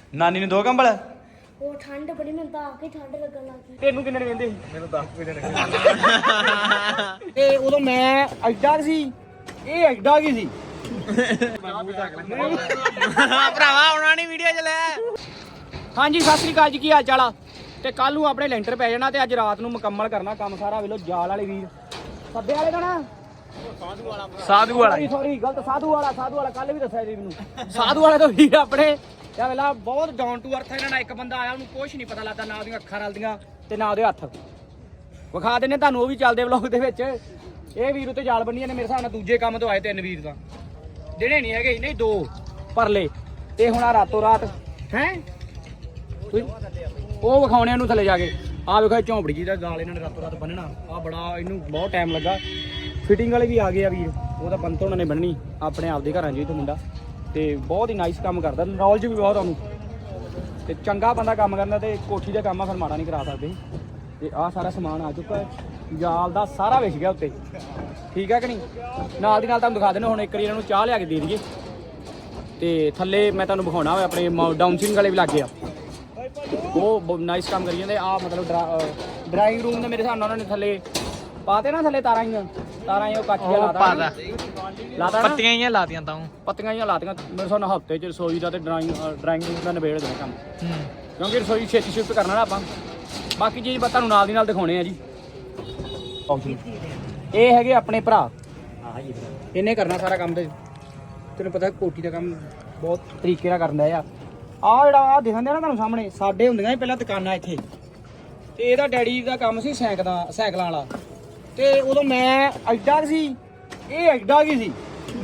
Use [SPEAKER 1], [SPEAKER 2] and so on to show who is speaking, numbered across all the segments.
[SPEAKER 1] ਨਾਨੀ ਨੂੰ 2 ਕੰਬਲ।
[SPEAKER 2] ਉਹ ਠੰਡ ਬੜੀ ਮੈਨੂੰ ਤਾਂ ਆ ਕੇ ਠੰਡ ਲੱਗਣ ਲੱਗ ਗਈ।
[SPEAKER 1] ਤੈਨੂੰ ਕਿੰਨੇ ਨੇ ਕਹਿੰਦੇ?
[SPEAKER 3] ਮੈਨੂੰ 10 ਵਜੇ ਨੇ
[SPEAKER 1] ਤੇ ਉਦੋਂ ਮੈਂ ਐਡਾ ਸੀ, ਇਹ ਐਡਾ ਕੀ ਸੀ। ਭਰਾਵਾ ਆਉਣਾ ਨਹੀਂ ਵੀਡੀਓ ਚ ਲੈ। ਹਾਂਜੀ ਸਤਿ ਸ੍ਰੀ ਅਕਾਲ ਜੀ, ਕੀ ਹਾਲ ਚਾਲ ਆ? ਤੇ ਕੱਲ ਨੂੰ ਆਪਣੇ ਲੈਂਟਰ ਪੈ ਜਾਣਾ ਤੇ ਅੱਜ ਰਾਤ ਨੂੰ ਮੁਕੰਮਲ ਕਰਨਾ ਕੰਮ ਸਾਰਾ। ਵੇਲੋ ਜਾਲ ਵਾਲੇ ਵੀਰ ਸੱਦੇ ਵਾਲੇ ਦਾ ਨਾ ਸਾਧੂ ਵਾਲਾ ਸੌਰੀ ਗਲਤ ਸਾਧੂ ਵਾਲਾ ਕੱਲ ਵੀ ਦੱਸਿਆ ਜੀ ਮੈਨੂੰ। ਸਾਧੂ ਵਾਲੇ ਤੋਂ ਵੀਰ ਆਪਣੇ ਯਾ ਵੇਲਾ ਬਹੁਤ ਡਾਊਨ ਟੂ ਅਰਥ। ਇਹਨਾਂ ਨਾਲ ਇੱਕ ਬੰਦਾ ਆਇਆ ਉਹਨੂੰ ਕੁਛ ਨਹੀਂ ਪਤਾ ਲੱਗਦਾ, ਨਾ ਉਹਦੀਆਂ ਅੱਖਾਂ ਰਲਦੀਆਂ ਤੇ ਨਾ ਉਹਦੇ ਹੱਥ। ਵਿਖਾ ਦਿੰਨੇ ਤੁਹਾਨੂੰ ਉਹ ਵੀ ਚੱਲਦੇ ਵਲੌਗ ਦੇ ਵਿੱਚ। ਇਹ ਵੀਰ ਉੱਤੇ ਜਾਲ ਬੰਨੀਆਂ ਨੇ ਮੇਰੇ ਹਿਸਾਬ ਨਾਲ ਦੂਜੇ ਕੰਮ ਤੋਂ ਆਏ 3 ਵੀਰ ਤਾਂ ਜਿਹੜੇ ਨਹੀਂ ਹੈਗੇ, ਨਹੀਂ 2 ਪਰਲੇ। ਤੇ ਹੁਣ ਆ ਰਾਤੋਂ ਰਾਤ ਹੈ ਉਹ ਵਿਖਾਉਣੇ ਉਹਨੂੰ ਥੱਲੇ ਜਾ ਕੇ। ਆਹ ਵੇਖੋ ਝੌਂਪੜੀ ਜੀ ਦਾ ਜਾਲ ਇਹਨਾਂ ਨੇ ਰਾਤੋਂ ਰਾਤ ਬੰਨਣਾ। ਆਹ ਬੜਾ ਇਹਨੂੰ ਬਹੁਤ ਟਾਈਮ ਲੱਗਾ। ਫਿਟਿੰਗ ਵਾਲੇ ਵੀ ਆ ਗਏ ਆ ਵੀਰ, ਉਹ ਤਾਂ ਪੰਤ ਉਹਨਾਂ ਨੇ ਬੰਨਣੀ ਆਪਣੇ ਆਪ ਦੇ ਘਰਾਂ 'ਚ ਹੀ ਤੋਂ ਮੁੰਡਾ। ਤੇ ਬਹੁਤ ਹੀ ਨਾਈਸ ਕੰਮ ਕਰਦਾ, ਨੌਲੇਜ ਵੀ ਬਹੁਤ ਉਹਨੂੰ। ਤੇ ਚੰਗਾ ਬੰਦਾ ਕੰਮ ਕਰਦਾ ਤੇ ਕੋਠੀ ਦਾ ਕੰਮ ਆ, ਫਿਰ ਮਾੜਾ ਨਹੀਂ ਕਰਾ ਸਕਦੇ। ਤੇ ਆਹ ਸਾਰਾ ਸਮਾਨ ਆ ਚੁੱਕਾ, ਜਾਲ ਦਾ ਸਾਰਾ ਵਿਛ ਗਿਆ ਉੱਤੇ, ਠੀਕ ਹੈ ਕਿ ਨਹੀਂ। ਨਾਲ ਦੀ ਨਾਲ ਤੁਹਾਨੂੰ ਦਿਖਾ ਦੇਣਾ ਹੁਣ ਇੱਕ ਵਾਰੀ ਇਹਨਾਂ ਨੂੰ ਚਾਹ ਲਿਆ ਕੇ ਦੇ ਦਈਏ। ਤੇ ਥੱਲੇ ਮੈਂ ਤੁਹਾਨੂੰ ਵਿਖਾਉਣਾ ਹੋਇਆ ਆਪਣੇ ਡਾਊਨ ਸਿੰਗ ਵਾਲੇ ਵੀ ਲੱਗ ਗਏ ਆ, ਉਹ ਨਾਈਸ ਕੰਮ ਕਰੀ ਜਾਂਦੇ ਆ। ਮਤਲਬ ਡਰਾਇੰਗ ਰੂਮ ਦੇ ਮੇਰੇ ਹਿਸਾਬ ਨਾਲ ਉਹਨਾਂ ਨੇ ਥੱਲੇ ਪਾਤੇ ਨਾ, ਥੱਲੇ ਤਾਰਾਂ ਹੀ ਉਹ ਕੱਚ ਜਿਹਾ ਲਾਤਾ,
[SPEAKER 3] ਪੱਤੀਆਂ ਹੀ ਲਾਤੀਆਂ ਤਾਂ
[SPEAKER 1] ਪੱਤੀਆਂ ਹੀ ਲਾਤੀਆਂ। ਮੇਰੇ ਹਿਸਾਬ ਨਾਲ ਹਫ਼ਤੇ 'ਚ ਰਸੋਈ ਦਾ ਤੇ ਡਰਾਇੰਗ ਰੂਮ ਦਾ ਨਿਬੇੜ ਦੇਣਾ ਕੰਮ, ਕਿਉਂਕਿ ਰਸੋਈ ਛੇਤੀ ਸ਼ਿਫਟ ਕਰਨਾ ਨਾ ਆਪਾਂ। ਬਾਕੀ ਚੀਜ਼ ਤੁਹਾਨੂੰ ਨਾਲ ਦੀ ਨਾਲ ਦਿਖਾਉਣੇ ਆ ਜੀ। ਇਹ ਹੈਗੇ ਆਪਣੇ ਭਰਾ, ਇਹਨੇ ਕਰਨਾ ਸਾਰਾ ਕੰਮ। ਤੇ ਤੈਨੂੰ ਪਤਾ ਕੋਠੀ ਦਾ ਕੰਮ ਬਹੁਤ ਤਰੀਕੇ ਨਾਲ ਕਰਦਾ ਆ। ਆਹ ਜਿਹੜਾ ਆਹ ਦਿਖਣ ਦਿਆ ਨਾ ਤੁਹਾਨੂੰ ਸਾਹਮਣੇ, ਸਾਡੇ ਹੁੰਦੀਆਂ ਸੀ ਪਹਿਲਾਂ ਦੁਕਾਨਾਂ ਇੱਥੇ। ਤੇ ਇਹਦਾ ਡੈਡੀ ਦਾ ਕੰਮ ਸੀ ਸਾਈਕਲਾਂ ਵਾਲਾ। ਤੇ ਉਦੋਂ ਮੈਂ ਐਡਾ ਸੀ, ਇਹ ਐਡਾ ਕੀ ਸੀ।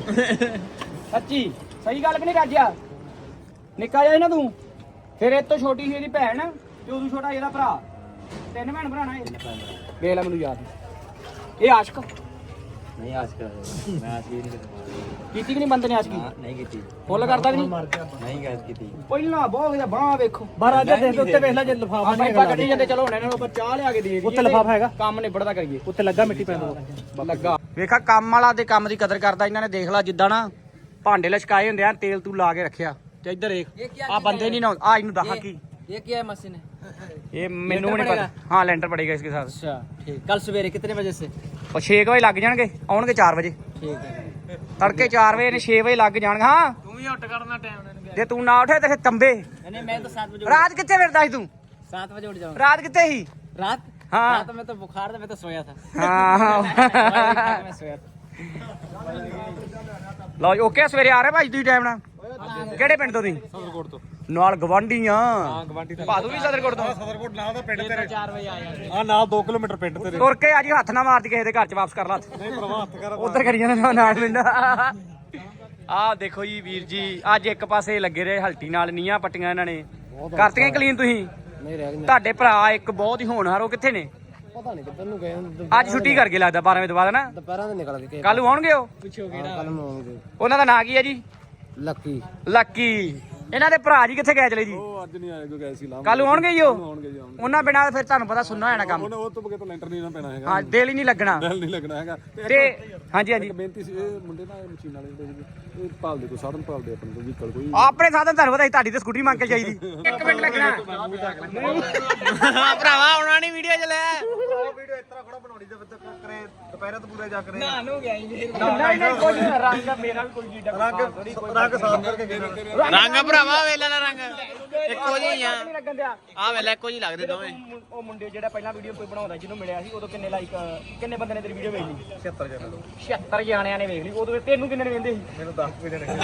[SPEAKER 1] ਸੱਚੀ ਸਹੀ ਗੱਲ ਕਿ ਨਹੀਂ ਰਾਜਿਆ? ਨਿੱਕਾ ਜਿਹਾ ਨਾ ਤੂੰ। ਫਿਰ ਇਹ ਤੋਂ ਛੋਟੀ ਸੀ ਇਹਦੀ ਭੈਣ ਤੇ ਉਦੋਂ ਛੋਟਾ ਇਹਦਾ ਭਰਾ। 3 ਭੈਣ ਭਰਾ ਨਾ ਇਹ। ਵੇਖ ਲੈ ਮੈਨੂੰ ਯਾਦ। ਇਹ ਆਸ਼ਕ
[SPEAKER 3] ਨਹੀਂ ਆਸ਼ਕ ਮੈਂ ਆਸ਼ਕ ਨਹੀਂ
[SPEAKER 1] ਕੀਤੀ ਕਿ ਨਹੀਂ ਬੰਦੇ ਨੇ ਆਸ਼ਕੀ?
[SPEAKER 3] ਨਹੀਂ ਕੀਤੀ।
[SPEAKER 1] ਫੁੱਲ ਕਰਦਾ ਕਿ ਨਹੀਂ?
[SPEAKER 3] ਨਹੀਂ ਗੈਸ ਕੀਤੀ
[SPEAKER 1] ਪਹਿਲਾਂ ਬਹੁਤ ਵਧੀਆ ਬਾਹ ਵੇਖੋ।
[SPEAKER 3] ਰਾਜਾ ਦੇ ਉੱਤੇ ਵੇਖ ਲੈ ਜੇ ਲਿਫਾਫਾ
[SPEAKER 1] ਆਪਾਂ ਇੱਪਾ ਕੱਢੀ ਜਾਂਦੇ। ਚਲੋ ਹੁਣ ਇਹਨਾਂ ਨੂੰ ਆਪਾਂ ਚਾਹ ਲਿਆ ਕੇ ਦੇ ਦਈਏ।
[SPEAKER 3] ਉੱਤੇ ਲਿਫਾਫਾ ਹੈਗਾ,
[SPEAKER 1] ਕੰਮ ਨਿਬੜਦਾ ਕਰੀਏ।
[SPEAKER 3] ਉੱਤੇ ਲੱਗਾ ਮਿੱਟੀ ਪੈਂਦਾ
[SPEAKER 1] ਲੱਗਾ। ਵੇਖਾ ਕੰਮ ਵਾਲਾ ਤੇ ਕੰਮ ਦੀ ਕਦਰ ਕਰਦਾ ਇਹਨਾਂ ਨੇ। ਦੇਖ ਲਾ ਜਿੱਦਾਂ ਨਾ ਭਾਂਡੇ ਲਸ਼ਕਾਏ ਹੁੰਦੇ ਆ, ਤੇਲ ਤੂੰ ਲਾ ਕੇ ਰੱਖਿਆ। ਤੇ ਇੱਧਰ ਦੇਖ ਆ ਬੰਦੇ ਨਹੀਂ ਨਾ ਆ। ਇਹਨੂੰ ਦੱਸ ਕੀ
[SPEAKER 3] ये क्या है मशीन है?
[SPEAKER 1] ਇਹ ਮੈਨੂੰ ਵੀ ਨਹੀਂ ਪਤਾ। ਹਾਂ ਲੈਂਟਰ ਪੜੇਗਾ ਇਸਕੇ ਸਾਥ।
[SPEAKER 3] अच्छा ठीक। कल सवेरे कितने बजे से?
[SPEAKER 1] ਉਹ 6 ਵਜੇ ਲੱਗ ਜਾਣਗੇ, ਆਉਣਗੇ 4 ਵਜੇ।
[SPEAKER 3] ठीक है।
[SPEAKER 1] ਤੜਕੇ 4 ਵਜੇ ਨੇ 6 ਵਜੇ ਲੱਗ ਜਾਣਗੇ। ਹਾਂ
[SPEAKER 3] तू ही उठ करना टाइम
[SPEAKER 1] ਜੇ ਤੂੰ ਨਾ ਉੱਠੇ ਤੇ ਫਿਰ ਤੰਬੇ।
[SPEAKER 3] नहीं मैं तो 7 बजे।
[SPEAKER 1] ਰਾਤ ਕਿੱਥੇ ਫਿਰਦਾ ਸੀ ਤੂੰ?
[SPEAKER 3] 7 बजे उठ जाऊंगा।
[SPEAKER 1] ਰਾਤ ਕਿੱਥੇ ਸੀ?
[SPEAKER 3] रात?
[SPEAKER 1] हाँ।
[SPEAKER 3] रात में तो बुखार था, मैं तो सोया था।
[SPEAKER 1] ਹਾਂ
[SPEAKER 3] मैं सोया था।
[SPEAKER 1] ਲਓ ਜੀ ਓਕੇ। ਸਵੇਰੇ ਆ ਰਹੇ ਭਾਈ ਤੁਸੀਂ ਟਾਈਮ ਨਾਲ? ਕਿਹੜੇ ਪਿੰਡ ਤੋਂ ਤੁਸੀਂ?
[SPEAKER 3] सदरकोट तो।
[SPEAKER 1] ਨਾਲ ਗਵਾਂਢੀ ਆ।
[SPEAKER 3] हाँ गवांडी था।
[SPEAKER 1] ਭਾਦੂ ਵੀ ਸਦਰਕੋਟ ਤੋਂ?
[SPEAKER 3] सदरकोट ना था पिंड तेरे। 4 बजे आया। हां ना 2 किलोमीटर पिंड तेरे।
[SPEAKER 1] ਤੁਰ ਕੇ ਅੱਜ ਹੱਥ ਨਾ ਮਾਰਦੀ ਕਿਸੇ ਦੇ ਘਰ ਚ ਵਾਪਸ ਕਰ ਲਾ।
[SPEAKER 3] नहीं प्रवाह हथ कर।
[SPEAKER 1] ਉਧਰ ਕਰੀ ਜਾਂਦਾ ਨਾਲ ਮਿੰਦਾ। ਆਹ ਦੇਖੋ ਜੀ ਵੀਰ ਜੀ, ਅੱਜ ਇੱਕ ਪਾਸੇ ਲੱਗੇ ਰਹੇ ਹਲਟੀ ਨਾਲ। ਨੀਆਂ ਪੱਟੀਆਂ ਇਹਨਾਂ ਨੇ ਕਰਤੀਆਂ ਕਲੀਨ। ਤੁਸੀਂ
[SPEAKER 3] नहीं रह गए।
[SPEAKER 1] ਤੁਹਾਡੇ ਭਰਾ ਇੱਕ ਬਹੁਤ ਹੀ ਹੋਣਹਾਰ, ਉਹ ਕਿੱਥੇ ਨੇ?
[SPEAKER 3] पता नहीं किधर नु गए।
[SPEAKER 1] ਅੱਜ ਛੁੱਟੀ ਕਰਕੇ ਲੱਗਦਾ 12 ਵਜੇ ਤੋਂ ਬਾਅਦ ਨਾ।
[SPEAKER 3] दोपहर में निकल गए।
[SPEAKER 1] ਕੱਲ ਨੂੰ ਆਉਣਗੇ ਉਹ।
[SPEAKER 3] पूछो केड़ा? कल में होंगे।
[SPEAKER 1] ਉਹਨਾਂ ਦਾ ਨਾਂ ਕੀ ਹੈ ਜੀ?
[SPEAKER 3] लकी।
[SPEAKER 1] ਲੱਕੀ। ਇਹਨਾਂ ਦੇ ਭਰਾ ਜੀ ਕਿੱਥੇ ਗਏ ਚਲੇ ਜੀ?
[SPEAKER 3] ਉਹ ਅੱਜ ਨਹੀਂ ਆਏ, ਕੋਈ ਗਏ ਸੀ ਲਾਮ।
[SPEAKER 1] ਕੱਲ ਨੂੰ ਆਉਣਗੇ ਜੀ ਉਹ।
[SPEAKER 3] ਆਉਣਗੇ ਜੀ ਆਉਣਗੇ।
[SPEAKER 1] ਉਹਨਾਂ ਬਿਨਾਂ ਫਿਰ ਤੁਹਾਨੂੰ ਪਤਾ ਸੁਣਨਾ ਹੋਣਾ ਕੰਮ।
[SPEAKER 3] ਉਹ ਤੋਂ ਬਗੇ ਤਾਂ ਲੈਂਟਰ ਨਹੀਂ ਨਾ ਪੈਣਾ ਹੈਗਾ।
[SPEAKER 1] ਹਾਂ ਦਿਲ ਹੀ ਨਹੀਂ ਲੱਗਣਾ।
[SPEAKER 3] ਦਿਲ ਨਹੀਂ ਲੱਗਣਾ ਹੈਗਾ।
[SPEAKER 1] ਤੇ ਹਾਂਜੀ ਹਾਂਜੀ
[SPEAKER 3] ਇੱਕ ਬੇਨਤੀ ਸੀ, ਇਹ ਮੁੰਡੇ ਨਾ ਮਸ਼ੀਨ ਵਾਲੇ ਜਿਹੜੇ ਸੀਗੇ, ਇਹ ਭਾਲਦੇ ਕੋਈ ਸਾਧਨ ਭਾਲਦੇ ਆਪਣੇ ਕੋਈ ਵਹੀਕਲ ਕੋਈ।
[SPEAKER 1] ਆਪਣੇ ਸਾਧਨ ਤੁਹਾਨੂੰ ਪਤਾ ਤੁਹਾਡੀ ਤੇ ਸਕੂਟਰੀ ਮੰਗ ਕੇ ਚਾਹੀਦੀ। 1 ਮਿੰਟ ਲੱਗਣਾ ਭਰਾਵਾ, ਆਉਣਾ ਨਹੀਂ ਵੀਡੀਓ ਚ ਲੈ।
[SPEAKER 3] ਵੀਡੀਓ ਇਸ ਤਰ੍ਹਾਂ ਖੜਾ ਬਣਾਉਣੀ ਤੇ ਬੱਚਾ ਕਰੇ ਦੁਪਹਿਰਾਂ ਤੋਂ ਪੂਰੇ ਜਾ ਕਰੇ।
[SPEAKER 1] ਨਾ ਨੂੰ ਗਿਆ ਜੀ। ਨਹੀਂ ਕੁਝ ਰੰਗ ਮੇਰਾ ਵੀ ਕੋਈ ਜੀਡਾ
[SPEAKER 3] ਰੰਗ ਸਾਫ ਕਰਕੇ ਗਏ।
[SPEAKER 4] ਰੰਗ ਭਰਾਵਾ ਵੇਲਾ ਨਾ ਰੰਗ ਇੱਕੋ ਜਿਹੀ ਆ।
[SPEAKER 1] ਨਹੀਂ ਲੱਗਣ ਦਿਆ।
[SPEAKER 4] ਆ ਵੇਲਾ ਇੱਕੋ ਜਿਹੀ ਲੱਗਦੇ ਦੋਵੇਂ।
[SPEAKER 1] ਉਹ ਮੁੰਡੇ ਜਿਹੜਾ ਪਹਿਲਾਂ ਵੀਡੀਓ ਕੋਈ ਬਣਾਉਂਦਾ ਜਿਹਨੂੰ ਮਿਲਿਆ ਸੀ, ਉਦੋਂ ਕਿੰਨੇ ਲਾਈਕ ਕਿੰਨੇ ਬੰਦੇ ਨੇ ਤੇਰੀ ਵੀਡੀਓ ਵੇਖ ਲਈ?
[SPEAKER 3] 76 ਜਣੇ।
[SPEAKER 1] 76 ਜਾਣਿਆਂ ਨੇ ਵੇਖ ਲਈ। ਉਦੋਂ ਤੈਨੂੰ ਕਿੰਨੇ ਨੇ ਵੇਖਦੇ ਸੀ?
[SPEAKER 3] ਮੈਨੂੰ 10 ਵਜੇ ਨੇ।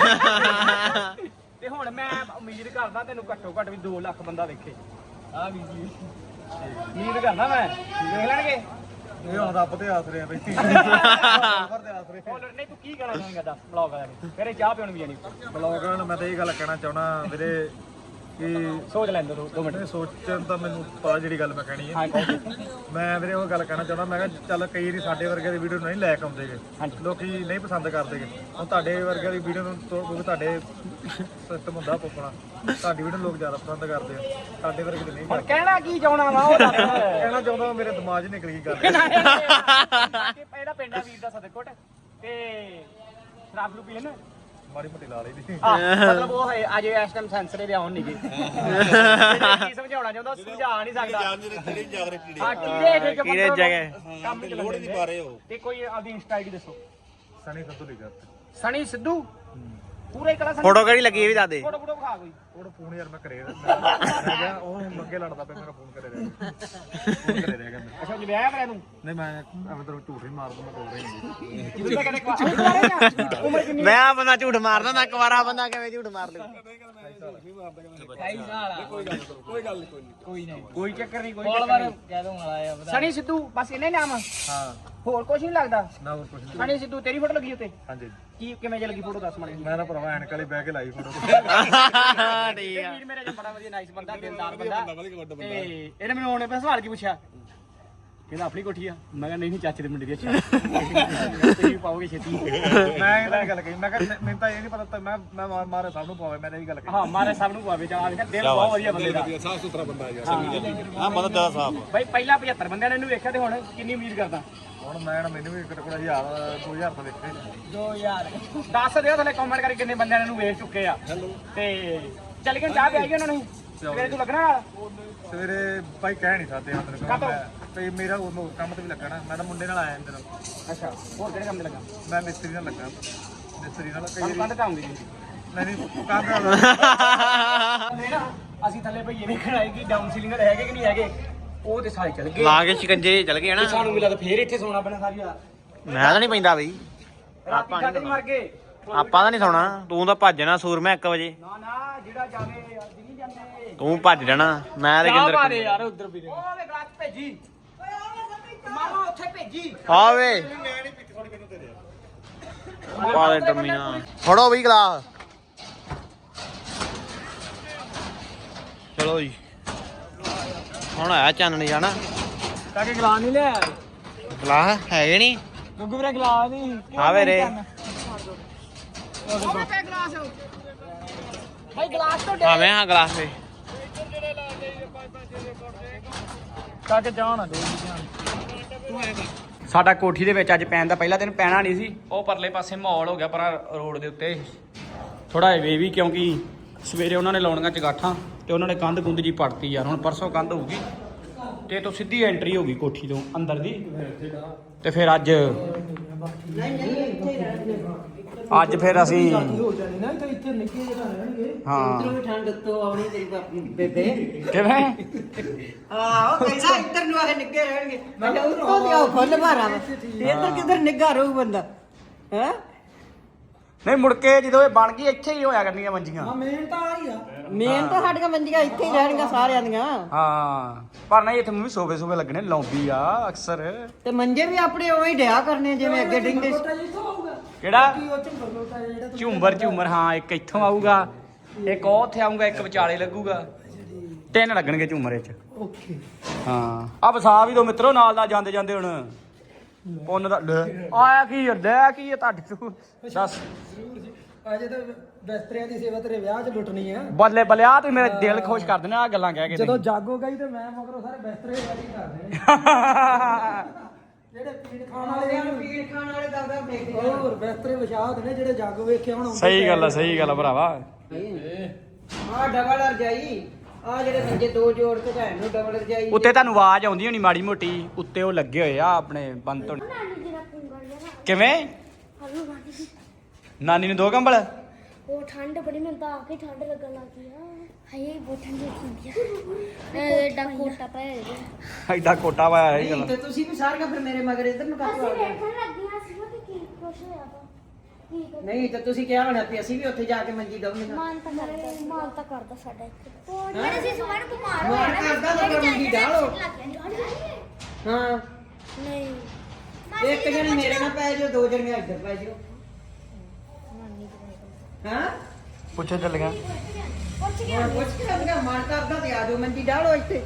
[SPEAKER 1] ਤੇ ਹੁਣ ਮੈਂ ਉਮੀਦ ਕਰਦਾ ਤੈਨੂੰ ਘੱਟੋ ਘੱਟ ਵੀ 2 ਲੱਖ ਬੰਦਾ ਵੇਖੇ। ਆ ਵੀ ਜੀ ਉਮੀਦ ਕਰਦਾ ਮੈਂ ਵੇਖ ਲੈਣਗੇ।
[SPEAKER 3] ਇਹ ਹੁਣ ਰੱਬ ਦੇ ਆਸਰੇ ਆ ਬਈ। ਸਰਵਰ ਦੇ ਆਸਰੇ।
[SPEAKER 1] ਨਹੀਂ ਤੂੰ ਕੀ ਕਹਿਣਾ ਚਾਹੁੰਦਾ ਦੱਸ ਬਲੌਗ ਵਾਲਿਆਂ ਨੂੰ? ਫਿਰ ਚਾਹ ਪਿਉਣ ਵੀ ਜਾਣੀ।
[SPEAKER 3] ਬਲੌਗਰਾਂ ਨੂੰ ਮੈਂ ਤਾਂ ਇਹ ਗੱਲ ਕਹਿਣਾ ਚਾਹਣਾ ਵੀਰੇ ਕਿ
[SPEAKER 1] ਸੋਚ ਲੈਂਦੇ 2 ਮਿੰਟ।
[SPEAKER 3] ਸੋਚਣ ਤਾਂ ਮੈਨੂੰ ਪਤਾ ਜਿਹੜੀ ਗੱਲ ਮੈਂ ਕਹਿਣੀ ਹੈ।
[SPEAKER 1] ਹਾਂ ਕਹੋ।
[SPEAKER 3] ਮੈਂ ਵੀਰੇ ਉਹ ਗੱਲ ਕਹਿਣਾ ਚਾਹੁੰਦਾ, ਮੈਂ ਕਿਹਾ ਚੱਲ ਕਈ ਵਾਰੀ ਸਾਡੇ ਵਰਗੇ ਦੀ ਵੀਡੀਓ ਨਹੀਂ ਲਾਇਕ ਆਉਂਦੇਗੇ,
[SPEAKER 1] ਹਾਂਜੀ।
[SPEAKER 3] ਲੋਕੀ ਨਹੀਂ ਪਸੰਦ ਕਰਦੇਗੇ। ਹੁਣ ਤੁਹਾਡੇ ਵਰਗੇ ਦੀ ਵੀਡੀਓ ਨੂੰ ਕਿਉਂਕਿ ਤੁਹਾਡੇ ਸਿਸਟਮ ਹੁੰਦਾ ਪੁੱਪਣਾ, ਤੁਹਾਡੀ ਵੀਡੀਓ ਲੋਕ ਜ਼ਿਆਦਾ ਪਸੰਦ ਕਰਦੇ ਆ, ਸਾਡੇ ਵਰਗੇ ਦੀ ਨਹੀਂ
[SPEAKER 1] ਹੁਣ
[SPEAKER 3] ਕਰਦੇ।
[SPEAKER 1] ਕਹਿਣਾ ਕੀ ਚਾਹਣਾ ਵਾ ਉਹ ਦੱਸ।
[SPEAKER 3] ਕਹਿਣਾ ਚਾਹੁੰਦਾ ਮੇਰੇ ਦਿਮਾਗ 'ਚ ਨਿਕਲ ਗਈ ਗੱਲ।
[SPEAKER 1] ਇਹਦਾ ਪਿੰਡ ਆ ਵੀਰ ਦਾ ਸਦਰਕੋਟ। ਤੇ ਸ਼ਰਾਬ ਨੂੰ ਪੀਣ
[SPEAKER 3] ਮਾੜੀ ਮੋਟੀ ਲਾ ਲਈ ਦੀ
[SPEAKER 1] ਮਤਲਬ ਉਹ ਹੈ ਅਜੇ ਇਸ ਟਾਈਮ ਸੈਂਸਰ ਦੇ ਆਉਣ ਨਹੀਂਗੇ ਕੀ ਸਮਝਾਉਣਾ ਚਾਹੁੰਦਾ ਸਮਝਾ ਨਹੀਂ ਸਕਦਾ ਹਾਂ
[SPEAKER 4] ਕੀੜੇ ਜਗ੍ਹਾ
[SPEAKER 1] ਕੰਮ ਲੋੜ ਨਹੀਂ ਪਾ ਰਹੇ ਹੋ ਤੇ ਕੋਈ ਆਪਦੀ ਇੰਸਟਾ ਆਈਡੀ ਦੱਸੋ
[SPEAKER 3] ਸਣੀ ਸਿੱਧੂ ਲਿਖਿਆ
[SPEAKER 1] ਸਣੀ ਸਿੱਧੂ ਪੂਰਾ ਹੀ ਕਲਾ
[SPEAKER 4] ਫੋਟੋ ਕਿਹੜੀ ਲੱਗੀ ਇਹ ਵੀ ਦੱਸ ਦੇ
[SPEAKER 1] ਫੋਟੋ ਵਿਖਾ ਕੋਈ
[SPEAKER 3] ਉਹ ਫੋਨ ਯਾਰ ਮੈਂ ਕਰੇ ਰਹਿ ਗਿਆ ਉਹ ਮੰਗੇ ਲੜਦਾ ਪਿਆ ਮੇਰਾ ਫੋਨ ਕਰੇ ਰਿਹਾ ਫੋਨ ਕਰੇ ਰਿਹਾ ਕਹਿੰਦਾ
[SPEAKER 1] ਅੱਛਾ ਵਿਆਹ ਕਰਿਆ ਤੂੰ
[SPEAKER 3] ਨਹੀਂ ਮੈਂ ਐਵੇਂ ਤੈਨੂੰ ਝੂਠ ਨਹੀਂ ਮਾਰਦਾ ਮੈਂ ਕੋਲ ਰਹੀ
[SPEAKER 1] ਤੂੰ ਤਾਂ ਕਦੇ ਉਮਰ ਕਿੰਨੀ
[SPEAKER 4] ਮੈਂ ਆ ਬੰਦਾ ਝੂਠ ਮਾਰਦਾ ਨਾ ਕੁਵਾਰਾ ਬੰਦਾ ਕਿਵੇਂ ਝੂਠ ਮਾਰ ਲੂ
[SPEAKER 1] ਕੋਈ ਚੱਕਰ ਨਹੀਂ ਕੋਈ ਚੱਕਰ ਕਹਿ ਦੂੰਗਾ ਸਣੀ ਸਿੱਧੂ ਬਸ ਇੰਨਾ ਹੀ ਨਾਮ ਆ
[SPEAKER 3] ਹਾਂ
[SPEAKER 1] ਹੋਰ ਕੁਝ ਨਹੀਂ ਲੱਗਦਾ
[SPEAKER 3] ਨਾ ਹੋਰ ਕੁਝ ਨਹੀਂ
[SPEAKER 1] ਸਣੀ ਸਿੱਧੂ ਤੇਰੀ ਫੋਟੋ ਲੱਗੀ ਉੱਤੇ
[SPEAKER 3] ਹਾਂਜੀ
[SPEAKER 1] ਕੀ ਕਿਵੇਂ ਜੇ ਲੱਗੀ ਫੋਟੋ ਦੱਸ ਮੈਨੂੰ
[SPEAKER 3] ਮੈਂ ਤਾਂ ਭਰਾਵਾ ਐਨਕ ਵਾਲੀ ਬਹਿ ਕੇ ਲਾਈ ਫੋਟੋ
[SPEAKER 4] ਠੀਕ ਆ
[SPEAKER 1] ਵੀਰ ਮੇਰੇ ਜੋ ਬੜਾ ਵਧੀਆ ਨਾਈਸ ਬੰਦਾ ਦਿਲਦਾਰ ਬੰਦਾ ਤੇ ਇਹਨੇ ਮੈਨੂੰ ਉਹਨੇ ਪਹਿਲਾਂ ਸਵਾਲ ਕੀ ਪੁੱਛਿਆ ਕਹਿੰਦਾ ਆਪਣੀ ਕੋਠੀ ਆ ਮੈਂ ਕਿਹਾ ਨਹੀਂ ਚਾਚੇ ਦੇ ਮੁੰਡੇ ਦੀ ਅੱਛਾ ਤੁਸੀਂ ਪਾਓਗੇ ਛੇਤੀ
[SPEAKER 3] ਮੈਂ ਇਹਦਾ ਗੱਲ ਕਹੀ ਮੈਂ ਕਿਹਾ ਮੈਨੂੰ ਤਾਂ ਇਹ ਨਹੀਂ ਪਤਾ ਮੈਂ ਮਾਰੇ ਸਭ ਨੂੰ ਪਾਵੇ ਮੈਂ ਤਾਂ ਇਹ ਗੱਲ ਕਹੀ
[SPEAKER 1] ਹਾਂ ਮਾਰੇ ਸਭ ਨੂੰ ਪਾਵੇ ਚਾ ਆ ਦਿਲ ਬਹੁਤ ਵਧੀਆ ਬੰਦੇ ਦਾ
[SPEAKER 3] ਸਾਫ ਸੁਥਰਾ ਬੰਦਾ ਯਾਰ
[SPEAKER 4] ਹਾਂ ਬੰਦਾ ਜ਼ਿਆਦਾ ਸਾਫ
[SPEAKER 1] ਬਾਈ ਪਹਿਲਾਂ 75 ਬੰਦਿਆਂ ਨੇ ਇਹਨੂੰ ਵੇਖਿਆ ਤੇ ਹੁਣ ਕਿੰਨੀ ਉਮੀਦ ਕਰਦਾ
[SPEAKER 3] ਹੁਣ ਮੈਨੂੰ ਵੀ ਕਿਤੇ 1000 ਤੋਂ ਵੇਖੇ
[SPEAKER 1] 2000 ਦੱਸ ਦਿਓ ਥੱਲੇ ਕਮੈਂਟ ਕਰਕੇ ਕਿੰਨੇ ਬੰਦਿਆਂ ਨੇ ਇਹਨੂੰ ਵੇਖ ਚੁੱਕੇ ਆ ਤੇ ਚੱਲ ਕੇ ਚਾਹ ਪਿਆਈ ਉਹਨਾਂ ਨੂੰ ਸਵੇਰੇ ਤੂੰ ਲੱਗਣਾ ਨਾਲ
[SPEAKER 3] ਸਵੇਰੇ ਭਾਈ ਕਹਿ ਨਹੀਂ ਸਕਦੇ
[SPEAKER 1] ਕਾਹਤੋਂ?
[SPEAKER 3] ਤੇ ਮੇਰਾ ਉਹ ਕੰਮ ਤੇ ਵੀ ਲੱਗਣਾ ਮੈਂ ਤਾਂ ਮੁੰਡੇ ਨਾਲ ਆਇਆ ਇੰਦਰ
[SPEAKER 1] ਅੱਛਾ ਹੋਰ ਕਿਹੜੇ ਕੰਮ ਤੇ ਲੱਗਾ
[SPEAKER 3] ਮੈਂ ਮਿਸਤਰੀ ਨਾਲ ਲੱਗਾ ਮਿਸਤਰੀ ਨਾਲ ਕਈ
[SPEAKER 1] ਤੁਹਾਨੂੰ ਕੰਧ ਟਾਉਂਗੀ ਜੀ
[SPEAKER 3] ਨਹੀਂ ਕੰਮ ਨਾਲ
[SPEAKER 1] ਨਾ ਅਸੀਂ ਥੱਲੇ ਭਈਏ ਵੇਖਣ ਆਏ ਕਿ ਡਾਊਨ ਸੀਲਿੰਗਰ ਹੈਗੇ ਕਿ ਨਹੀਂ ਹੈਗੇ ਉਹ ਤੇ ਸਾਰੇ ਚਲ ਗਏ
[SPEAKER 4] ਲਾ ਕੇ ਸ਼ਿਕੰਜੇ ਚਲ ਗਏ
[SPEAKER 1] ਤੇ
[SPEAKER 4] ਨਾ
[SPEAKER 1] ਸਾਨੂੰ ਮਿਲਾ ਤਾਂ ਫੇਰ ਇੱਥੇ ਸੌਣਾ ਪੈਣਾ ਸਾਰੀ ਰਾਤ
[SPEAKER 4] ਮੈਂ ਤਾਂ ਨਹੀਂ ਪੈਂਦਾ ਬਈ
[SPEAKER 1] ਰਾਤੀ ਕੱਢ ਨਹੀਂ ਮਰ ਗਏ
[SPEAKER 4] ਆਪਾਂ ਤਾਂ ਨਹੀਂ ਸੌਣਾ ਤੂੰ ਤਾਂ ਭੱਜਣਾ ਸੂਰਮਾ 1 ਵਜੇ
[SPEAKER 1] ਨਾ ਨਾ ਜਿਹੜਾ ਜਾਵੇ ਅੱਜ ਨਹੀਂ ਜਾਂਦੇ
[SPEAKER 4] ਤੂੰ ਭੱਜ ਜਾਣਾ ਮੈਂ ਤੇ
[SPEAKER 1] ਚਾਹ ਪਾ ਦੇ
[SPEAKER 4] ਕਿੰਦਰ
[SPEAKER 1] ਯਾਰ ਉਧਰ ਵੀ ਉਹ ਵੇ ਗਲਾਸ ਭੇਜੀ ਮਾਮਾ ਉੱਥੇ ਭੇਜੀ
[SPEAKER 4] ਆ ਵੇ ਪਾ ਦੇ ਡਰਮੀਨਾ ਫੜੋ ਬਈ ਗਲਾਸ ਚਲੋ ਜੀ ਹੁਣ ਆਇਆ ਚੰਨ ਨਹੀਂ ਜਾਣਾ
[SPEAKER 1] ਕਾਕੇ ਗਲਾਸ ਨਹੀਂ ਲਿਆ
[SPEAKER 4] ਗਲਾਸ ਹੈਗੇ ਨਹੀਂ
[SPEAKER 1] ਗੁੱਗੂ ਵੀਰੇ ਗਲਾਸ ਨਹੀਂ
[SPEAKER 4] ਆਵੇ ਰੇ
[SPEAKER 1] ਉਹ ਪੇ ਗਲਾਸ ਭਾਈ ਗਲਾਸ ਤੋਂ
[SPEAKER 4] ਆਵੇਂ ਹਾਂ ਗਲਾਸ ਵੇ
[SPEAKER 1] ਕਾਕੇ ਜਾਣ ਦੇ ਸਾਡਾ ਕੋਠੀ ਦੇ ਵਿੱਚ ਅੱਜ ਪੈਣ ਦਾ ਪਹਿਲਾ ਦਿਨ ਪੈਣਾ ਨਹੀਂ ਸੀ ਉਹ ਪਰਲੇ ਪਾਸੇ ਮਾਹੌਲ ਹੋ ਗਿਆ ਪਰ ਰੋਡ ਦੇ ਉੱਤੇ ਥੋੜਾ ਵੇ ਵੀ ਕਿਉਂਕਿ ਸਵੇਰੇ ਉਹਨਾਂ ਨੇ ਲਾਉਣੀਆਂ ਚਗਾਠਾਂ ਤੇ ਉਹਨਾਂ ਨੇ ਕੰਧ ਕੁੰਧ ਜੀ ਪੜਤੀ ਯਾਰ ਹੁਣ ਪਰਸੋਂ ਕੰਧ ਹੋਊਗੀ ਤੇ ਤੋਂ ਸਿੱਧੀ ਐਂਟਰੀ ਹੋਗੀ ਕੋਠੀ ਤੋਂ ਅੰਦਰ ਦੀ ਤੇ ਫਿਰ ਅੱਜ ਫਿਰ ਅਸੀਂ ਹਾਂ
[SPEAKER 5] ਠੰਡ ਤੋਂ ਆਉਣੀ ਤੇਰੀ ਬੇਬੇ
[SPEAKER 1] ਕਿਵੇਂ
[SPEAKER 5] ਆਹੋ ਕਹਿੰਦਾ ਇੱਧਰ ਨੂੰ ਆਏ ਨਿੱਗੇ ਰਹਿਣਗੇ ਮੈਂ ਕਿਹਾ ਉੱਤੋਂ ਦੀ ਆਓ ਫੁੱਲ ਮਾਰਾ ਵਾ ਇੱਧਰ ਕਿੱਧਰ ਨਿੱਗਾ ਰਹੂ ਬੰਦਾ ਹੈ
[SPEAKER 1] ਨਹੀਂ ਮੁੜ ਕੇ ਜਦੋਂ ਇਹ ਬਣ ਗਈ ਇੱਥੇ ਹੀ ਹੋਇਆ ਕਰਨੀਆਂ ਮੰਜੀਆਂ
[SPEAKER 5] ਮੇਨ ਤਾਂ ਸਾਡੀਆਂ ਮੰਜੀਆਂ ਇੱਥੇ ਹੀ ਰਹਿਣਗੀਆਂ ਸਾਰਿਆਂ ਦੀਆਂ
[SPEAKER 1] ਹਾਂ ਪਰ ਨਹੀਂ ਇੱਥੇ ਵੀ ਸੋਫੇ ਸੋਫੇ ਲੱਗਣੇ ਲੌਬੀ ਆ ਅਕਸਰ
[SPEAKER 5] ਤੇ ਮੰਜੇ ਵੀ ਆਪਣੇ ਉਵੇਂ ਹੀ ਡਿਆ ਕਰਨੇ ਜਿਵੇਂ ਅੱਗੇ ਡਿੰਗੇ
[SPEAKER 1] ਕਿਹੜਾ ਝੂਮਰ ਹਾਂ ਇੱਕ ਇੱਥੋਂ ਆਊਗਾ ਇੱਕ ਉਹ ਉੱਥੇ ਆਊਗਾ ਇੱਕ ਵਿਚਾਲੇ ਲੱਗੂਗਾ 3 ਲੱਗਣਗੇ ਝੂਮਰ ਚ
[SPEAKER 5] ਓਕੇ
[SPEAKER 1] ਹਾਂ ਆ ਵਸਾ ਵੀ ਦੋ ਮਿੱਤਰੋ ਨਾਲ ਜਾਂਦੇ ਜਾਂਦੇ ਹੁਣ ਪੁੰਨ ਦਾ ਆਇਆ ਕੀ ਹੁੰਦਾ ਕੀ ਤੁਹਾਡੇ ਤੋਂ ਦੱਸ
[SPEAKER 6] ਅਜੇ ਤਾਂ ਬਿਸਤਰਿਆਂ ਦੀ ਸੇਵਾ ਤੇਰੇ ਵਿਆਹ 'ਚ ਲੁੱਟਣੀ ਆ
[SPEAKER 1] ਬੱਲੇ ਬੱਲੇ ਆ ਤੂੰ ਮੇਰਾ ਦਿਲ ਖੁਸ਼ ਕਰ ਦੇਣਾ ਆ ਗੱਲਾਂ ਕਹਿ ਕੇ
[SPEAKER 6] ਜਦੋਂ ਜਾਗੋ ਗਈ ਤੇ ਮੈਂ ਮਗਰੋਂ ਸਾਰੇ ਬਿਸਤਰੇ ਰੈਡੀ ਕਰ ਦੇਣੇ ਜਿਹੜੇ ਪੀਣ ਖਾਣ ਵਾਲੇ
[SPEAKER 5] ਪੀਣ ਖਾਣ ਵਾਲੇ ਦਰਦਾ ਫੇਕ
[SPEAKER 6] ਹੋਰ ਬਿਸਤਰੇ ਵਿਛਾ ਦੇਣੇ ਜਿਹੜੇ ਜਾਗੋ ਵੇਖੇ ਹੁਣ
[SPEAKER 1] ਸਹੀ ਗੱਲ ਆ ਭਰਾਵਾ
[SPEAKER 5] ਆ ਡਬਲ ਰਜਾਈ ਆ ਜਿਹੜੇ ਮੰਜੇ ਦੋ ਜੋੜ ਕੇ ਭੈਣ ਨੂੰ ਡਬਲ ਰਜਾਈ
[SPEAKER 1] ਉੱਤੇ ਤੁਹਾਨੂੰ ਆਵਾਜ਼ ਆਉਂਦੀ ਹੋਣੀ ਮਾੜੀ ਮੋਟੀ ਉੱਤੇ ਉਹ ਲੱਗੇ ਹੋਏ ਆ ਆਪਣੇ ਬੰਦ ਤੋਂ
[SPEAKER 2] ਨਾਨੀ ਜੀ ਦਾ ਪੁੰਗਲ ਜਿਹਾ
[SPEAKER 1] ਕਿਵੇਂ
[SPEAKER 2] ਹਲੋ ਨਾਨੀ ਜੀ
[SPEAKER 1] ਨਾਨੀ ਨੂੰ ਦੋ ਕੰਬਲ
[SPEAKER 2] ਉਹ ਠੰਡ ਬੜੀ ਮੈਨੂੰ ਤਾਂ ਆ ਕੇ ਠੰਡ ਲੱਗਣ ਲੱਗ ਗਈ ਆ ਹਾਏ ਬਹੁਤ ਠੰਡ ਹੁੰਦੀ ਆ ਐਡਾ ਕੋਟਾ ਪਾਇਆ ਹੈ
[SPEAKER 1] ਐਡਾ ਕੋਟਾ ਪਾਇਆ ਹੈ
[SPEAKER 5] ਨਹੀਂ ਤੇ ਤੁਸੀਂ ਵੀ ਸਾਰੀਆਂ ਫਿਰ ਮੇਰੇ ਮਗਰ ਇੱਧਰ ਨੂੰ ਕਾਹਤੋਂ ਆ
[SPEAKER 2] ਅਸੀਂ
[SPEAKER 5] ਗਏ
[SPEAKER 2] ਵੇਖਣ ਲੱਗੀਆਂ ਸੀ ਕਿ ਕੀ ਕੁਛ ਹੋਇਆ ਵਾ ਕੀ ਕਰ
[SPEAKER 5] ਨਹੀਂ ਤੇ ਤੁਸੀਂ ਕਿਹਾ ਹੋਣਾ ਵੀ ਅਸੀਂ ਵੀ ਉੱਥੇ ਜਾ ਕੇ ਮੰਜੀ ਦਵਾਂਗੇ
[SPEAKER 2] ਮਾਨ ਤਾਂ ਕਰਦਾ ਸਾਡਾ ਇੱਥੇ ਉਹ ਜਿਹੜੇ ਸੀ ਸਵਾਰ ਬਿਮਾਰ
[SPEAKER 5] ਮਾਨ ਕਰਦਾ ਤਾਂ ਫਿਰ ਮੰਜੀ ਡਾਲੋ ਹਾਂ
[SPEAKER 2] ਨਹੀਂ
[SPEAKER 5] ਇੱਕ ਜਣੇ ਮੇਰੇ ਨਾਲ ਪੈ ਜਾਓ ਦੋ ਜਣੇ ਇੱਧਰ ਪੈ ਜਾਓ ਹਾਂ
[SPEAKER 1] ਪੁੱਛੋ ਚੱਲ ਗਿਆ
[SPEAKER 5] ਹੁਣ ਪੁੱਛ ਕੇ ਲੱਗਾ ਮਨ ਕਰਦਾ ਤੇ ਆ ਜਾਓ ਮੰਜੀ ਡਾਲੋ ਇੱਥੇ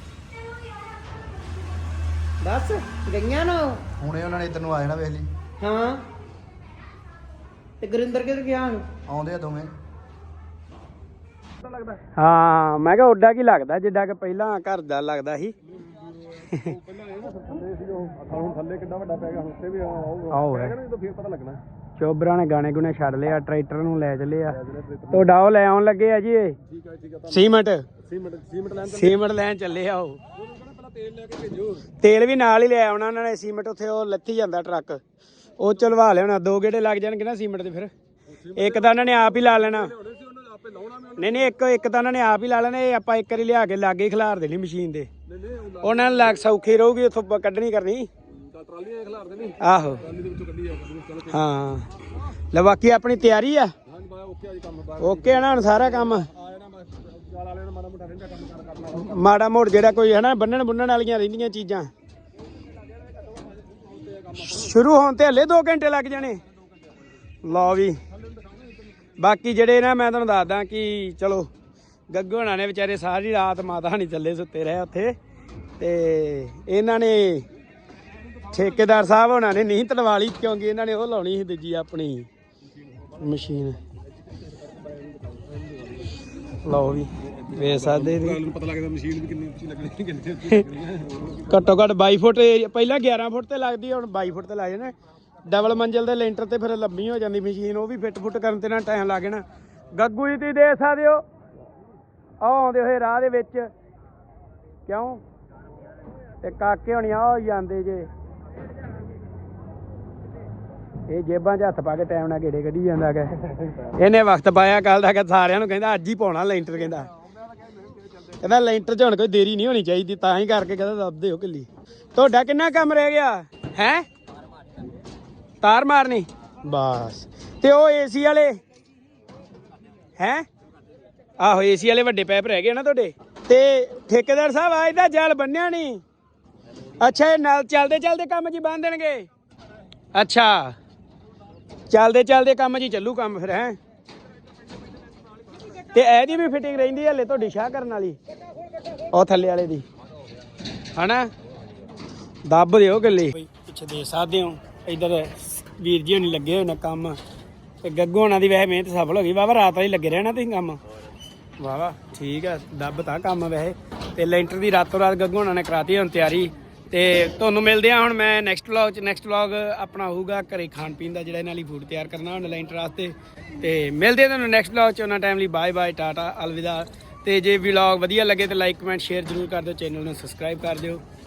[SPEAKER 5] ਬਸ ਗਈਆਂ ਨਾ ਉਹ।
[SPEAKER 3] ਹੁਣੇ ਉਹਨਾਂ ਨੇ ਇੱਧਰ ਨੂੰ ਆ ਜਾਣਾ ਵੇਖ ਲਈ
[SPEAKER 5] ਹਾਂ ਤੇ ਗੁਰਿੰਦਰ ਕਿੱਧਰ ਗਿਆ ਹੁਣ
[SPEAKER 3] ਆਉਂਦੇ ਆ ਦੋਵੇਂ
[SPEAKER 1] ਹਾਂ ਮੈਂ ਕਿਹਾ ਉੱਡਾ ਕੀ ਲੱਗਦਾ ਜਿੱਡਾ ਕਿ ਪਹਿਲਾਂ ਘਰ ਦਾ ਲੱਗਦਾ ਸੀ
[SPEAKER 3] ਹੁਣ ਥੱਲੇ ਕਿੰਨਾ ਵੱਡਾ ਪੈ ਗਿਆ ਹੁਣ ਉੱਤੇ ਵੀ ਆਊਗਾ
[SPEAKER 1] ਆਓ ਹੈ
[SPEAKER 3] ਜਦੋਂ ਫੇਰ ਪਤਾ ਲੱਗਣਾ
[SPEAKER 1] ਚੋਬਰਾਂ ਨੇ ਗਾਣੇ ਗੁਣੇ ਛੱਡ ਲਿਆ, ਟਰੈਕਟਰ ਨੂੰ ਲੈ ਚੱਲੇ ਆ। ਤੁਹਾਡਾ ਉਹ ਲੈ ਆਉਣ ਲੱਗੇ ਆ ਜੀ ਇਹ ਸੀਮੈਂਟ ਲੈਣ ਚੱਲੇ ਆ। ਉਹ ਤੇਲ ਵੀ ਨਾਲ ਹੀ ਲੈ ਆਉਣਾ ਉਹਨਾਂ ਨੇ। ਸੀਮੈਂਟ ਉੱਥੇ ਉਹ ਲੱਥੀ ਜਾਂਦਾ ਟਰੱਕ, ਉਹ ਚਲਵਾ ਲਿਆਉਣਾ। 2 ਗੇੜੇ ਲੱਗ ਜਾਣਗੇ ਨਾ ਸੀਮੈਂਟ ਦੇ। ਫਿਰ ਇੱਕ ਤਾਂ ਉਹਨਾਂ ਨੇ ਆਪ ਹੀ ਲਾ ਲੈਣਾ। ਨਹੀਂ ਇੱਕ ਤਾਂ ਉਹਨਾਂ ਨੇ ਆਪ ਹੀ ਲਾ ਲੈਣਾ। ਇਹ ਆਪਾਂ ਇੱਕ ਵਾਰੀ ਲਿਆ ਕੇ ਲਾਗੇ ਹੀ ਖਿਲਾਰ ਦੇਣੀ ਮਸ਼ੀਨ ਦੇ। ਉਹਨਾਂ ਨੂੰ ਲੱਗ ਸੌਖੀ ਰਹੂਗੀ ਉੱਥੋਂ ਕੱਢਣੀ ਕਰਨੀ। ਆਹੋ ਹਾਂ। ਲੈ ਬਾਕੀ ਆਪਣੀ ਤਿਆਰੀ ਆ। ਓਕੇ ਨਾ ਹੁਣ ਸਾਰਾ ਕੰਮ ਮਾੜਾ ਮੋੜ ਜਿਹੜਾ ਕੋਈ ਹੈ ਨਾ ਬੰਨਣ ਵਾਲੀਆਂ ਰਹਿੰਦੀਆਂ ਚੀਜ਼ਾਂ ਸ਼ੁਰੂ ਹੋਣ ਤੇ ਹਲੇ 2 ਘੰਟੇ ਲੱਗ ਜਾਣੇ। ਲਓ ਵੀ ਬਾਕੀ ਜਿਹੜੇ ਨਾ ਮੈਂ ਤੁਹਾਨੂੰ ਦੱਸਦਾ ਕਿ ਚਲੋ ਗੱਗੂ ਹੋਣਾ ਨੇ ਵਿਚਾਰੇ ਸਾਰੀ ਰਾਤ ਮਾਤਾ ਨਹੀਂ ਥੱਲੇ ਸੁੱਤੇ ਰਹੇ ਉੱਥੇ। ਤੇ ਇਹਨਾਂ ਨੇ ਠੇਕੇਦਾਰ ਸਾਹਿਬ ਹੋਣਾ ਨੇ ਨੀਂਦ ਤੜਵਾ ਲਈ ਕਿਉਂਕਿ ਇਹਨਾਂ ਨੇ ਉਹ ਲਾਉਣੀ ਸੀ ਦੂਜੀ ਆਪਣੀ ਮਸ਼ੀਨ। ਲਓ ਵੀ ਵੇਖ ਸਕਦੇ ਪਤਾ ਲੱਗਦਾ ਮਸ਼ੀਨ ਵੀ ਕਿੰਨੀ ਉੱਚੀ ਲੱਗਣੀ। ਘੱਟੋ ਘੱਟ 22 ਫੁੱਟ ਪਹਿਲਾਂ 11 ਫੁੱਟ ਤੇ ਲੱਗਦੀ, ਹੁਣ 22 ਫੁੱਟ ਤੇ ਲੱਗ ਜਾਣਾ। ਡਬਲ ਮੰਜ਼ਿਲ ਦੇ ਲੈਂਟਰ ਤੇ ਫਿਰ ਲੰਮੀ ਹੋ ਜਾਂਦੀ ਮਸ਼ੀਨ। ਉਹ ਵੀ ਫਿੱਟ ਫੁੱਟ ਕਰਨ ਤੇ ਨਾ ਟਾਈਮ ਲੱਗ ਜਾਣਾ। ਗੱਗੂ ਜੀ ਤੁਸੀਂ ਦੇਖ ਸਕਦੇ ਹੋ ਆਉਂਦੇ ਹੋਏ ਰਾਹ ਦੇ ਵਿੱਚ ਕਿਉਂ ਤੇ ਕਾਕੇ ਹੋਣੀ ਆ ਜਾਂਦੇ ਜੇ। ਇਹ ਜੇਬਾਂ 'ਚ ਹੱਥ ਪਾ ਕੇ ਟਾਈਮ ਨਾਲ ਗੇੜੇ ਕੱਢੀ ਜਾਂਦਾ ਗਾ। ਇਹਨੇ ਵਕਤ ਪਾਇਆ ਕੱਲ ਦਾ ਕਿ ਸਾਰਿਆਂ ਨੂੰ ਕਹਿੰਦਾ ਅੱਜ ਹੀ ਪਾਉਣਾ ਲੈਂਟਰ। ਕਹਿੰਦਾ ਲੈਂਟਰ 'ਚ ਹੁਣ ਕੋਈ ਦੇਰੀ ਨਹੀਂ ਹੋਣੀ ਚਾਹੀਦੀ, ਤਾਂ ਹੀ ਕਰਕੇ ਕਹਿੰਦਾ ਦੱਬਦੇ ਹੋ ਕਿੱਲੀ। ਤੁਹਾਡਾ ਕਿੰਨਾ ਕੰਮ ਰਹਿ ਗਿਆ ਹੈ? ਤਾਰ ਮਾਰਨੀ ਬਸ। ਤੇ ਉਹ ਏਸੀ ਵਾਲੇ ਹੈ? ਆਹੋ ਏਸੀ ਵਾਲੇ ਵੱਡੇ ਪੈਪ ਰਹਿ ਗਏ ਨਾ ਤੁਹਾਡੇ। ਤੇ ਠੇਕੇਦਾਰ ਸਾਹਿਬ ਅੱਜ ਦਾ ਜਾਲ ਬੰਨਿਆ ਨਹੀਂ? ਅੱਛਾ ਇਹ ਨਾਲ ਚੱਲਦੇ ਕੰਮ ਜੀ ਬੰਨ ਦੇਣਗੇ। ਅੱਛਾ ਚੱਲਦੇ ਕੰਮ ਜੀ ਚੱਲੂ ਕੰਮ ਫਿਰ ਹੈ। ਤੇ ਇਹਦੀ ਵੀ ਫਿਟਿੰਗ ਰਹਿੰਦੀ ਹਲੇ ਤੁਹਾਡੀ ਸ਼ਾਹ ਕਰਨ ਵਾਲੀ ਉਹ ਥੱਲੇ ਵਾਲੇ ਦੀ ਹਨਾ। ਦੱਬ ਦਿਓ ਗੱਲੇ ਪਿੱਛੇ ਦੇ ਸਕਦੇ ਹੋ। ਇੱਧਰ ਵੀਰ ਜੀ ਹੋਣੀ ਲੱਗੇ ਹੋਏ ਨੇ ਕੰਮ। ਤੇ ਗੱਗੂ ਹੋਣਾ ਦੀ ਵੈਸੇ ਮਿਹਨਤ ਸਫਲ ਹੋ ਗਈ। ਵਾਹਵਾ ਰਾਤ ਵਾਲੀ ਲੱਗੇ ਰਹਿਣਾ ਤੁਸੀਂ ਕੰਮ। ਵਾਹਵਾ ਠੀਕ ਆ ਦੱਬ ਤਾਂ ਕੰਮ ਵੈਸੇ। ਤੇ ਲੈਂਟਰ ਦੀ ਰਾਤੋਂ ਰਾਤ ਗੱਗੂ ਹੋਣਾ ਨੇ ਕਰਾਤੀ ਹੁਣ ਤਿਆਰੀ। ਤੇ ਤੁਹਾਨੂੰ ਮਿਲਦੇ ਆ ਹੁਣ ਮੈਂ ਨੈਕਸਟ ਵਲੌਗ ਆਪਣਾ ਹੋਊਗਾ ਘਰੇ ਖਾਣ ਪੀਣ ਦਾ, ਜਿਹੜਾ ਇਹਨਾਂ ਲਈ ਫੂਡ ਤਿਆਰ ਕਰਨਾ ਹੁਣ ਲੈਂਟਰ ਵਾਸਤੇ। ਤੇ ਮਿਲਦੇ ਤੁਹਾਨੂੰ ਨੈਕਸਟ ਵਲੌਗ 'ਚ। ਉਹਨਾਂ ਟਾਈਮ ਲਈ ਬਾਏ ਟਾਟਾ ਅਲਵਿਦਾ। ਤੇ ਜੇ ਵਲੌਗ ਵਧੀਆ ਲੱਗੇ ਤਾਂ ਲਾਈਕ ਕਮੈਂਟ ਸ਼ੇਅਰ ਜ਼ਰੂਰ ਕਰ ਦਿਓ। ਚੈਨਲ ਨੂੰ ਸਬਸਕ੍ਰਾਈਬ ਕਰ ਦਿਓ।